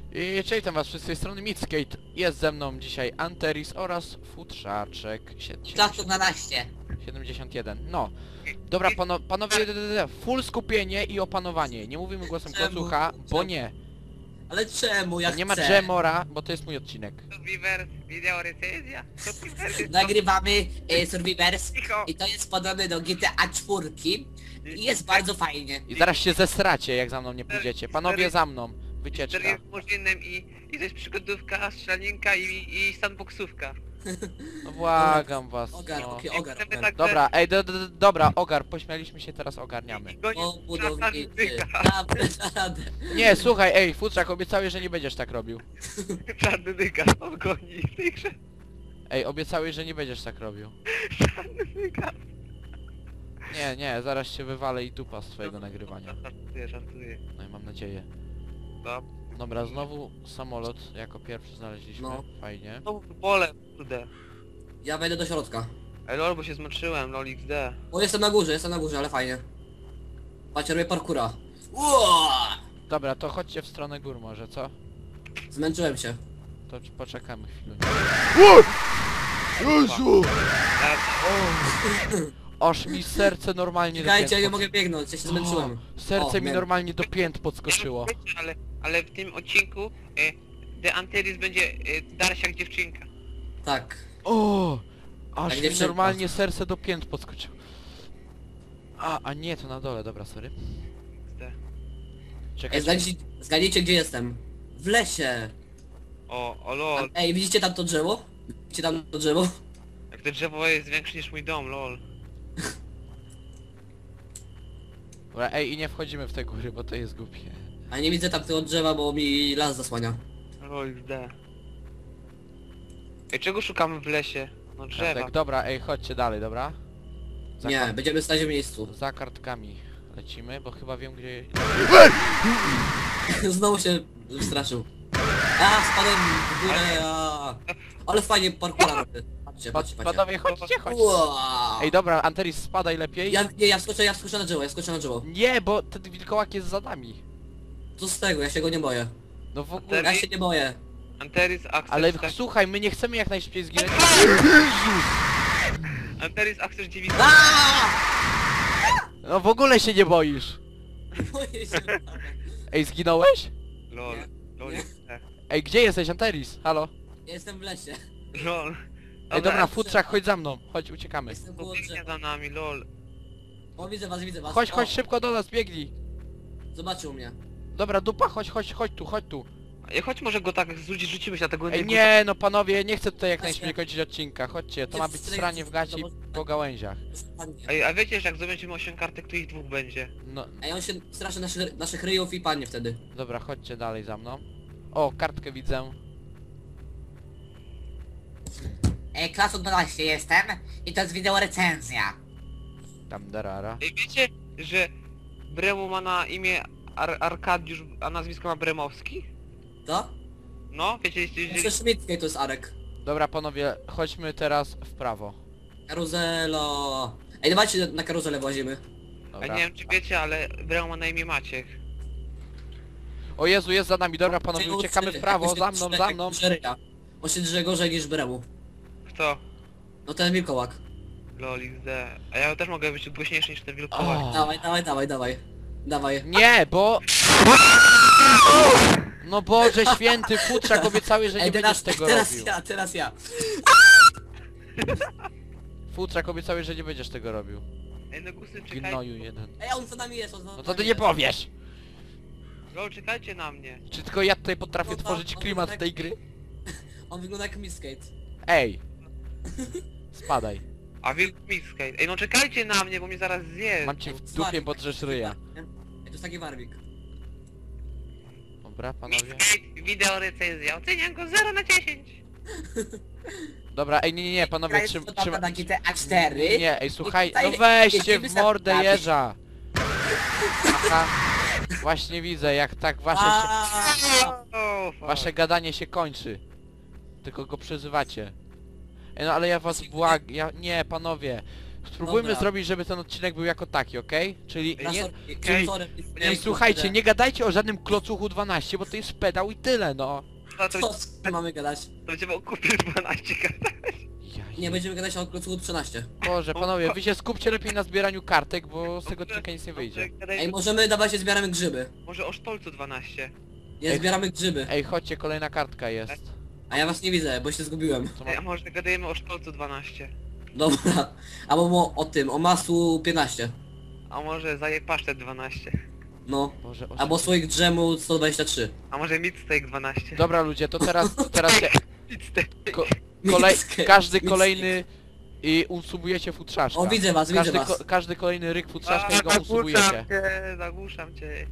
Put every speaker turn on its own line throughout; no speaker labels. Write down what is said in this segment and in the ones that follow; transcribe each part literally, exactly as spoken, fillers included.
I cześć, witam was wszyscy z tej strony Midskate. Jest ze mną dzisiaj Anteris oraz Futrzaczek
Czas dwanaście.
siedemdziesiąt jeden. No. Dobra, pano, panowie, full skupienie i opanowanie. Nie mówimy głosem
Czemu?
klocucha, bo nie.
Ale czemu? Ja
Nie ma
chcę.
Dżemora, bo to jest mój odcinek.
Survivor, wideo recenzja. Survivor,
Nagrywamy e, Survivors
cicho.
i to jest podobne do G T A cztery i jest bardzo fajnie.
I zaraz się zesracie, jak za mną nie pójdziecie. Panowie, za mną. Wycieczka.
Historia z Murzynem i, i to jest przygodówka, strzelaninka i, i sandboxówka.
No błagam was,
Ogar,
no.
okej, ogar,
Chcemy
ogar.
także-
Dobra, ej, do, do, do, dobra, ogar, pośmialiśmy się, teraz ogarniamy.
I gonię
O budowniczy,
czarnyka.
naprawdę.
Nie, słuchaj, ej, Futrzak, obiecałeś, że nie będziesz tak robił.
Czarnyka, on goni w tej grze.
Ej, obiecałeś, że nie będziesz tak robił.
Czarnyka.
Nie, nie, zaraz się wywalę i dupa z twojego nagrywania.
Żartuję, żartuję.
No i mam nadzieję.
No.
Dobra, znowu samolot jako pierwszy znaleźliśmy.
No.
Fajnie.
No pole, kurde.
Ja wejdę do środka.
Ej lol, bo się zmęczyłem, lol X D.
O, jestem na górze, jestem na górze, ale fajnie. Patrzcie, robię parkura. Uaa!
Dobra, to chodźcie w stronę gór może, co?
Zmęczyłem się.
To c- poczekamy chwilę.
Jezu!
Aż mi serce normalnie do
Czekajcie, ja nie
pięt
mogę biegnąć, ja się zmęczyłem.
pod- Serce
O,
mi
wiem.
normalnie do pięt podskoczyło.
Ale, ale w tym odcinku e, The Anteris będzie e, dalsza jak dziewczynka.
Tak.
O! Aż
Tak,
mi
dziewczynka.
normalnie serce do pięt podskoczyło. A, a nie, to na dole, dobra, sorry.
X D.
Ej,
Czekajcie.
zgadnijcie, zgadnijcie gdzie jestem. W lesie.
O, o
A,
lol.
ej, widzicie tam to drzewo? Widzicie tam to drzewo?
Jak to drzewo jest większe niż mój dom, lol.
Dobra, ej, i nie wchodzimy w te góry, bo to jest głupie.
A nie widzę tam tego drzewa, bo mi las zasłania.
Lol X D. Ej, czego szukamy w lesie? No drzewa.
Tak, dobra, ej, chodźcie dalej, dobra? Za
Nie,
kart-
będziemy stać w miejscu.
Za kartkami lecimy, bo chyba wiem gdzie...
Znowu się straszył. A, spadłem w górę, a. Ale fajnie parkura robię. Patrzcie,
Pa
patrzcie, patrzcie.
panowie, chodźcie, chodźcie.
Ua.
Ej, dobra, Anteris, spadaj lepiej.
Ja, nie, ja skoczę, ja skoczę na drzewo, ja skoczę na drzewo.
Nie, bo ten wilkołak jest za nami.
Co z tego, ja się go nie boję.
No w ogóle...
Ja się nie boję.
Anteris Access...
Ale
tak-
słuchaj, my nie chcemy jak najszybciej zginąć.
Anteris Access dziewięć...
Aaaa!
No w ogóle się nie boisz.
Boję się.
Ej, zginąłeś?
Lol.
Nie.
Lol
Nie.
X D.
Ej, gdzie jesteś, Anteris? Halo?
Jestem w lesie.
Lol.
Ej, dobra, Futrzak, chodź za mną. Chodź, uciekamy.
Jestem koło
Biegnie
drzewa.
za nami, lol.
O, widzę was, widzę was.
Chodź,
O,
chodź szybko do nas, biegnij.
Zobaczył mnie.
Dobra, dupa, chodź, chodź, chodź tu, chodź tu.
Ej, chodź może go tak zrzucić, rzucimy się na tego
Ej,
jednego-
nie, no panowie, nie chcę tutaj jak
Właśnie.
najszybciej kończyć odcinka. Chodźcie, to ma być
Jest
stranie w gaci po gałęziach.
Ładnie.
Ej, a wiecie, że jak zobaczymy osiem kartek, to ich dwóch będzie.
No,
Ej, on się straszy naszych, naszych ryjów i padnie wtedy.
dobra, chodźcie dalej za mną. O, kartkę widzę.
E, Klasu dwanaście jestem i to jest wideo recenzja.
Tam darara.
Ej, wiecie, że Bremu ma na imię Ar Arkadiusz, a nazwisko ma Bremowski?
To?
No, wiecie, jeśli...
Jeszcze Szmickiej to jest Arek.
Dobra, panowie, chodźmy teraz w prawo.
Karuzelo. Ej, dawajcie na karuzelę włazimy.
A
Dobra.
nie wiem, czy wiecie, ale Bremu ma na imię Maciek.
O Jezu, jest za nami, dobra panowie,
Czego
uciekamy w
trzy?
prawo,
Jak
za
się
mną,
drze-
za
jak
mną.
drze ryja. On się drze gorzej niż Bremu.
Kto?
No ten wilkołak.
Lol X D. A ja też mogę być głośniejszy niż ten wilkołak.
O.
Dawaj, dawaj, dawaj, dawaj. Dawaj.
Nie, bo... No Boże święty, Futrzak obiecałeś, że nie
Ej,
będziesz
teraz,
tego
teraz
robił.
ja, teraz ja.
Futrzak obiecałeś, że nie będziesz tego robił.
Ej, no głosy, czekajcie.
Gnoju jeden.
Ej, on za nami jest, on za
No
nami
to ty nie
jest.
powiesz!
Lol, czekajcie na mnie.
Czy tylko ja tutaj potrafię
No to-
tworzyć
no to
klimat
tak-
tej gry?
On wygląda jak Miskate.
Ej! Spadaj.
A wilk Miskate. Ej, no czekajcie na mnie, bo mnie zaraz zje.
Mam cię w dupie, bo drzesz ryja.
Ej, to jest taki warwik.
Dobra, panowie.
Miskate, wideo recenzja. Oceniam go zero na dziesięć.
Dobra, ej, nie, nie, nie, panowie,
jest
trzym,
podobna
trzym...
na G T A cztery.
Nie, ej, słuchaj,
tutaj
no weźcie
jedziemy
w
za
mordę
nami.
jeża! Aha. Właśnie widzę, jak tak wasze, się,
Aaaa!
O, fuck.
wasze gadanie się kończy. Tylko go przezywacie. Ej, no ale ja was błag... Ja... Nie, panowie. Spróbujmy
Dobra.
zrobić, żeby ten odcinek był jako taki, okej? Czyli
Na
nie...
sorry,
czyli-
sorry,
Ej, słuchajcie, nie gadajcie o żadnym klocuchu dwanaście, bo to jest pedał i tyle, no.
No to,
Co co mamy gadać?
to będziemy o kupie dwanaście gadać.
Ja
Nie, będziemy gadać o klocuchu trzynaście.
Boże, panowie, wy się skupcie lepiej na zbieraniu kartek, bo z tego odcinka nic nie wyjdzie.
Ej, możemy dawać, że zbieramy grzyby.
Może o sztolcu dwanaście.
Nie,
Ej.
zbieramy grzyby.
Ej, chodźcie, kolejna kartka jest.
A ja was nie widzę, bo się zgubiłem.
Co ma...
Ej, a może gadajemy o sztolcu dwanaście.
Dobra. Albo mo- o tym, o masłu piętnaście.
A może zaje pasztet dwanaście.
No.
Boże,
Albo
osiem-
słoik drzemu sto dwadzieścia trzy.
A może midsteak dwanaście.
Dobra ludzie, to teraz, to teraz się,
Midsteak.
ko, kolej,
Mickę,
każdy
mickę.
kolejny i unsubujecie futrzaszka.
O, widzę was, widzę
Każdy,
was.
ko, każdy kolejny ryk futrzaszka i go
zagłuszam
unsubujecie.
cię, zagłuszam cię.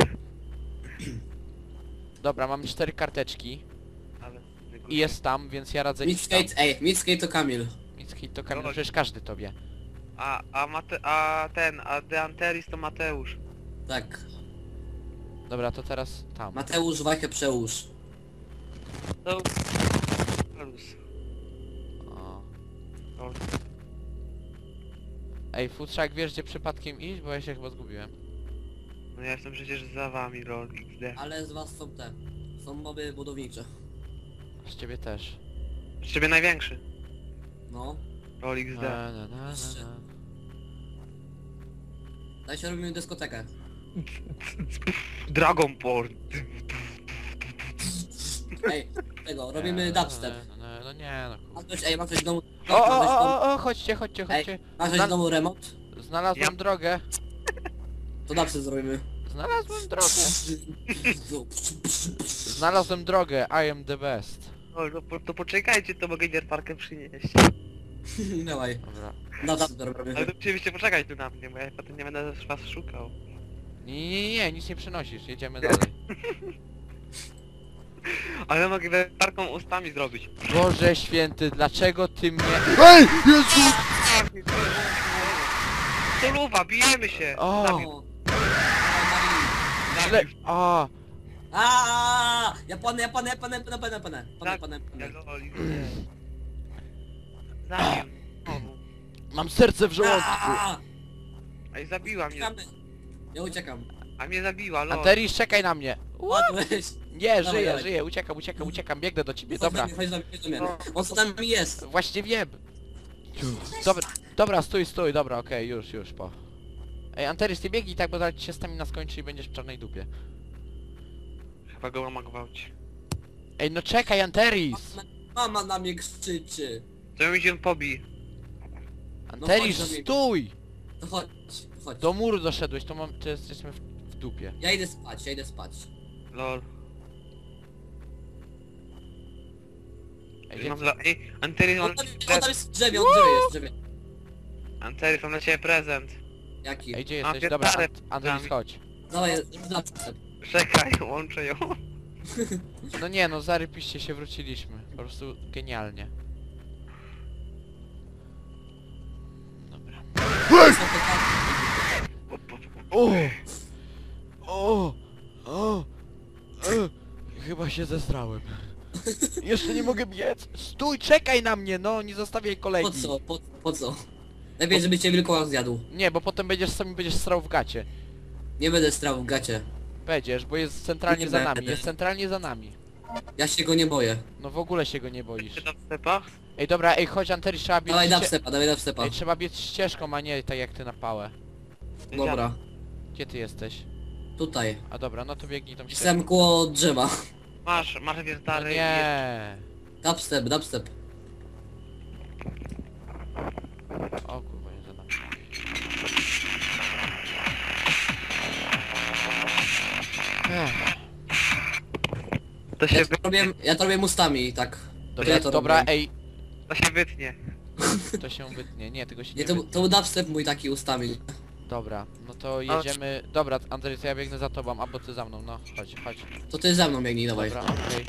Dobra, mam cztery karteczki
Ale...
i jest tam, więc ja radzę iść tam.
Midskate, ej, Midskate to Kamil.
Micki to Kamil,
Chodź.
przecież każdy tobie.
A, a, Mate, a ten, a De Anteris to Mateusz.
Tak.
Dobra, to teraz tam.
Mateusz Wajchę przełóż.
To... Plus.
O.
O,
Ej, futrzak, wiesz gdzie przypadkiem iść? Bo ja się chyba zgubiłem.
no ja jestem przecież za wami, lol, X D.
Ale z was są te. Są moby budownicze.
Z ciebie też.
Z ciebie największy.
No.
Lol, X D.
Na, na, na, na, na.
Daj się robimy dyskotekę.
Dragon Porn.
Ej, tego, robimy dubstep.
No, no, no nie no
Ma
kurwa.
ktoś, ej, ma ktoś w domu...
O, o,
ma ktoś w
o,
domu-
o, o, chodźcie, chodźcie,
Ej,
chodźcie.
ma ktoś
Zna-
w domu remont?
Znalazłem
Ja-
drogę.
To dubstep zrobimy.
Znalazłem drogę. Znalazłem drogę, I am the best.
Lol, to, po- to poczekajcie, to mogę Parkę przynieść.
Dawaj,
Dobra.
dubstep
Ale
robimy.
to musieliście poczekać tu na mnie, bo ja potem nie będę was szukał.
Nie, nie, nie, nic nie przynosisz, jedziemy dalej.
Ale mogę Parką ustami zrobić.
Boże święty, dlaczego ty mnie... EJ! Jezu!
Soluwa, bijemy się!
O.
Zabił,
O.
Źle...
zabił.
A,
Aaaa! Ja panę, ja panę, ja panę, panę, panę, panę, panę, panę,
Ja
panę.
lol, X D. Zabił. Znowu.
mam serce w żołądku.
Aaaa!
Ej, zabiła mnie.
Uciekamy. Ja uciekam.
A mnie zabiła, lol.
Anteris, czekaj na mnie.
Ładłeś.
Nie,
Dawaj,
żyję,
dawaj.
żyję, uciekam, uciekam, uciekam, biegnę do ciebie,
Chodź do
dobra.
mnie, chodź do mnie, chodź do mnie.
No.
On z nami jest.
Właśnie wiem. Dobra, dobra, stój, stój, dobra, okej, już, już, po. Ej, Anteris, ty biegnij tak, bo zaraz ci się stamina skończy i będziesz w czarnej dupie.
Chyba go mama gwałci.
Ej, no czekaj, Anteris!
Mama na mnie krzyczy.
To mi się pobi.
Anteris,
chodź do mnie.
stój!
To chodź, chodź.
Do muru doszedłeś, to mam, to jesteśmy w, w dupie.
Ja idę spać, ja idę spać.
Lol.
Ej,
Ej, mam
gdzie...
dla... Ej, Anteris, mam
On
dla
tam,
ciebie
on tam
prezent.
jest w drzewie, on w drzewie jest, w drzewie.
Anteris, mam dla ciebie prezent.
Jaki?
Ej, gdzie
Mam
jesteś? Dobra,
piętnarę
Ant Anteris,
nami.
chodź.
Dawaj, dubstep.
Czekaj, łączę ją.
No nie, no zarypiście się, wróciliśmy. Po prostu genialnie. Dobra. O! O! O! E! Chyba się zestrałem. Jeszcze nie mogę biec. Stój, czekaj na mnie, no, nie zostawiaj kolejki.
Po co, po, po co? Lepiej, żeby cię wilkołak zjadł.
Nie, bo potem będziesz sami będziesz strał w gacie.
Nie będę strał w gacie.
Będziesz, bo jest centralnie
Nie
za
będę.
nami, jest centralnie za nami.
Ja się go nie boję.
No w ogóle się go nie boisz.
Czy tam stepa?
Ej, dobra, ej, chodź Anteris, trzeba biec...
Dawaj
ście-
dubstepa, dawaj dubstepa.
Ej, trzeba biec ścieżką, a nie tak jak ty na pałę.
Dobra,
Gdzie ty jesteś?
tutaj.
A dobra, no to biegnij tą ścieżką.
Jestem koło drzewa.
Masz, masz
No
wiertary i...
nie.
Dubstep, dubstep.
O kurwa, nie zadam. Ech,
To się,
Ja
wy...
to robię, ja to robię mustami, tak.
dobra,
ja to
dobra,
robię.
ej,
to się wytnie.
to się wytnie, nie, tego się nie
Nie, to,
wytnie.
to był dubstep mój taki ustami.
Dobra, no to jedziemy... Dobra, Andrzej, to ja biegnę za tobą, albo ty za mną, no, chodź, chodź.
To ty ze mną biegnij, dawaj.
Dobra, okej.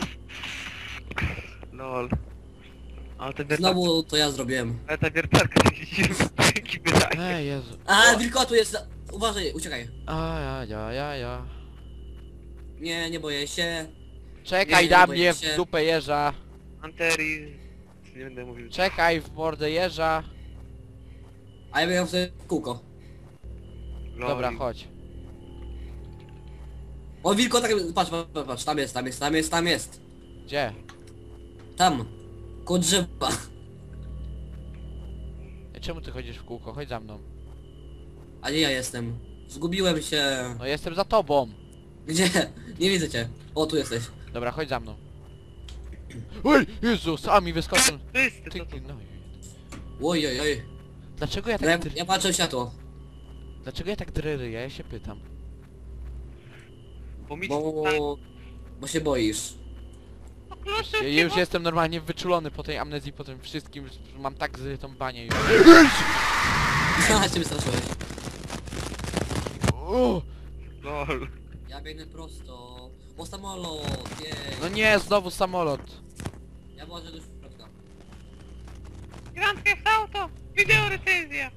Lol. Ale te wiertarki...
Znowu to ja zrobiłem.
Ale ta wiertarka się dzięki wydaje.
Ej, Jezu.
A, wilkotu jest! za- Uważaj, uciekaj.
A, ja, ja, ja, ja.
Nie, nie boję się.
Czekaj
Nie,
na
boję
mnie w
się.
dupę jeża.
Anteris... Nie będę mówił.
Czekaj w mordę jeża.
A ja miałem sobie kółko.
Lol.
Dobra, chodź.
O, wilko, tak, patrz, patrz, patrz, tam jest, tam jest, tam jest, tam jest.
Gdzie?
Tam. Koło drzewa.
Ej, czemu ty chodzisz w kółko? Chodź za mną.
A nie ja jestem. Zgubiłem się.
No jestem za tobą.
Gdzie? Nie widzę cię. O, tu jesteś.
Dobra, chodź za mną. Oj, Jezus, a mi wyskoczył.
Wszyscy,
Ty,
to, to.
ty, no.
Oj, oj, oj.
Dlaczego ja
No, ja,
tak dr...
ja patrzę w światło.
Dlaczego ja tak dryryję? Ja się pytam.
Bo mi
Bo... Bo się boisz.
Ja już jestem normalnie wyczulony po tej amnezji, po tym wszystkim, że mam tak zrytą banię już.
Haha, cię wystraszyłeś.
O,
Lol.
Ja biegnę prosto. O, samolot, jej.
no nie, znowu samolot.
Ja włożę do środka.
Grand Theft Auto! Wideo recenzja!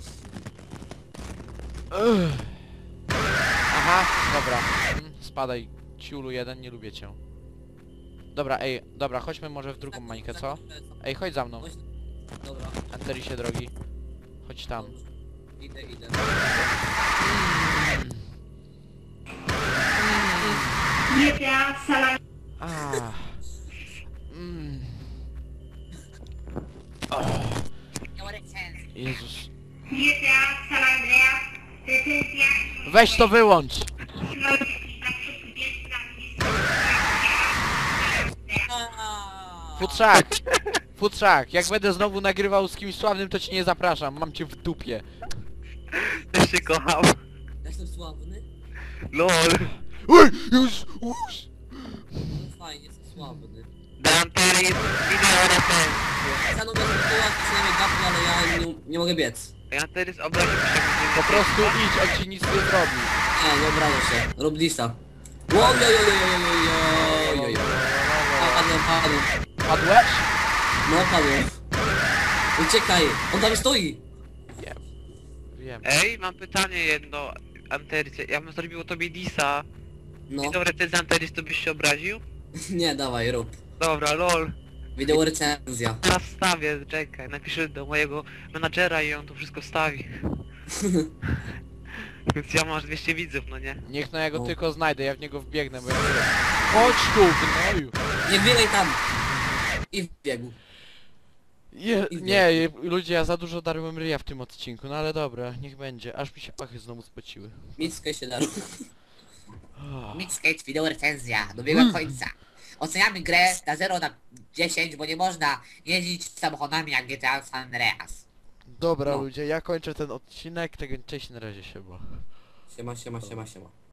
Ugh. Aha, dobra. Mm, Spadaj, ciulu jeden, nie lubię cię. Dobra, ej, dobra, chodźmy może w drugą mańkę, co? Ej, chodź za mną.
Chodź. Dobra.
Anterisie drogi. Chodź tam.
Idę, idę.
G T A San
Ah. Mm.
Wideo recenzji.
Jezus.
G T A San Andreas, recenzja
Weź to wyłącz! Futrzak! Futrzak, jak będę znowu nagrywał z kimś sławnym, to cię nie zapraszam, mam cię w dupie.
Też się kocham.
Ja jestem sławny?
Lol.
Oj, już, już.
No fajnie, jestem sławny.
Danteris wideo recenzja.
Stanął bez tytuła, przynajmniej gapki, ale ja nie, nie mogę biec.
Danteris obraził się.
Po prostu idź, on ci nic nie zrobi.
Nie, nie obrażę się. Rób disa. Ojojojojojojojojojoj. Padłem, padłem.
Padłeś?
No, padłem. Uciekaj, on tam stoi.
Wiem. Wiem.
Ej, mam pytanie jedno. Anteris, ja bym zrobił tobie disa.
No,
Wideo recenzja Anteris, to byś się obraził?
nie, dawaj, rób.
Dobra, lol.
Wideo recenzja.
Teraz wstawię, czekaj, napiszę do mojego menadżera i on to wszystko wstawi. Więc ja mam aż dwieście widzów, no nie?
Niech no ja go
O.
tylko znajdę, ja w niego wbiegnę, bo ja... Chodź tu, gnoju!
Nie biegaj tam. I wbiegł.
Je,
I
nie, je- ludzie, ja za dużo darłem ryja w tym odcinku, no ale dobra, niech będzie, aż mi się pachy znowu spociły.
Mickę się da.
Oh.
Midskate wideo recenzja dobiegła końca. Oceniamy grę na zero na dziesięć, bo nie można jeździć samochodami jak G T A San Andreas.
Dobra
No.
ludzie, ja kończę ten odcinek, tego cześć, na razie się, bo...
Siema, siema, siema, siema.